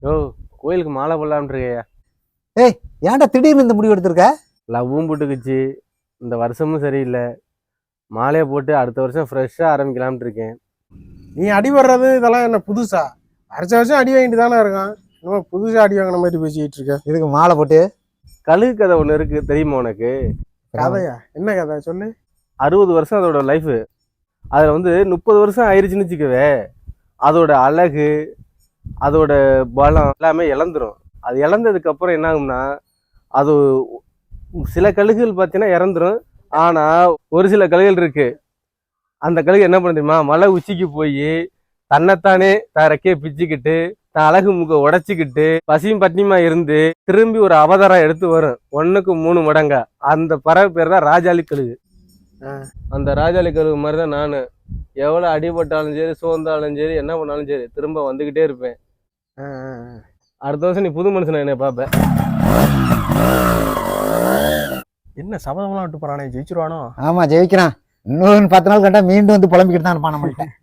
யோ, கோயிலுக்கு மாலை போடலாம்னு இருக்கையா. ஏய், ஏன்டா திடீர்னு இந்த முடிவு எடுத்திருக்க? லவ்வும் போட்டுக்குச்சு, இந்த வருஷமும் சரியில்லை. மாலையை போட்டு அடுத்த வருஷம் ஃப்ரெஷ்ஷாக ஆரம்பிக்கலாம்னு இருக்கேன். நீ அடி வர்றது இதெல்லாம் என்ன புதுசா? வருஷம் வருஷம் அடி வாங்கிட்டு தானே இருக்கான். இன்னும் புதுசா அடி வாங்கின மாதிரி பேசிக்கிட்டு இருக்க. இதுக்கு மாலை போட்டு கழுகு கதை ஒன்று இருக்கு, தெரியுமா உனக்கு? கதையா? என்ன கதை சொல்லு. 60 வருஷம் அதோட லைஃபு. அதில் வந்து 30 வருஷம் ஆயிடுச்சுன்னு வச்சுக்கவே, அதோட அழகு, அதோட பலம் எல்லாமே இழந்துரும். அது இழந்ததுக்கு அப்புறம் என்ன ஆகும்னா, அது சில கழுகுகள் பார்த்தீங்கன்னா இறந்துரும். ஆனால் ஒரு சில கழுகுகள் இருக்கு, அந்த கழுகு என்ன பண்ண தெரியுமா, மலை உச்சிக்கு போய் தன்னைத்தானே ரெக்கையை பிச்சுக்கிட்டு தான் அழகு முக உடைச்சிக்கிட்டு பசியும் பட்டினியுமா இருந்து திரும்பி ஒரு அவதாரம் எடுத்து வரும், 1க்கு 3 மடங்கா. அந்த பறவை பேர் தான் ராஜாளி கழுகு. அந்த ராஜாளி கழுகு மாதிரி தான் நான். எவ்வளோ அடிபட்டாலும் சரி, சோர்ந்தாலும் சரி, என்ன பண்ணாலும் சரி, திரும்ப வந்துக்கிட்டே இருப்பேன். அடுத்த வருஷம் நீ புது மனுஷனை என்னை பார்ப்பேன். என்ன சபதம்லாம் விட்டு போறானே, ஜெயிச்சிருவானோ? ஆமா, ஜெயிக்கிறான். இன்னொரு 10 நாள் கண்டா மீண்டும் வந்து புலம்பிக்கிட்டு தான் இருப்பான் நம்மள்கிட்ட.